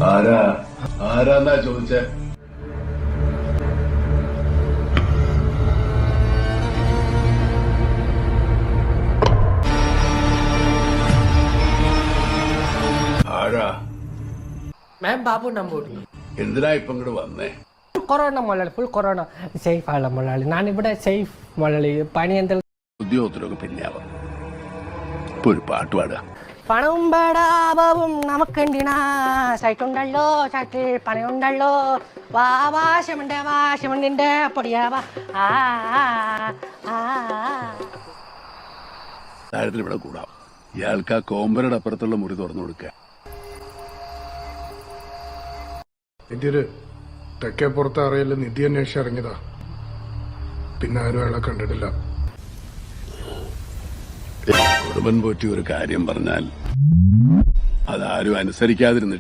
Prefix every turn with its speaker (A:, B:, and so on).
A: ആരാന്നാ ചോദിച്ചേ? ആരാ?
B: मैं बाबू नंबूर
A: എന്തിനാ ഇപ്പൊ ഇങ്ങോട്ട് വന്നേ?
B: കൊറോണ മുതലാളി ഫുൾ കൊറോണ സേഫ് ആണ് മുതലാളി. ഞാനിവിടെ സേഫ് മുതലാളി. പണി എന്തെങ്കിലും
A: ഉദ്യോഗത്തിലൊക്കെ പിന്നെയാവാം. ഇപ്പൊ ഒരു പാട്ട് പാടുക.
B: പണവും ബടാബവും നമുക്കുണ്ടിനാ സൈറ്റുണ്ടല്ലോ സൈറ്റിൽ പണിയുണ്ടല്ലോ വാ വാശമുണ്ടിന്റെ പൊടിയാവാ ആ
A: കാര്യത്തിൽ ഇവിടെ കൂടാം. ഇയാൾക്ക് ആ കോമ്പരയുടെ അപ്പുറത്തുള്ള മുറി തുറന്നു കൊടുക്കുക.
C: നിധിയൊരു തെക്കേപ്പുറത്ത് അറിയില്ല. നിധി അന്വേഷിച്ച് ഇറങ്ങിയതാ. പിന്നെ ആരും അയാളെ കണ്ടിട്ടില്ല.
A: കുടുംബൻ പോറ്റി ഒരു കാര്യം പറഞ്ഞാൽ അതാരും അനുസരിക്കാതിരുന്നിട്ട്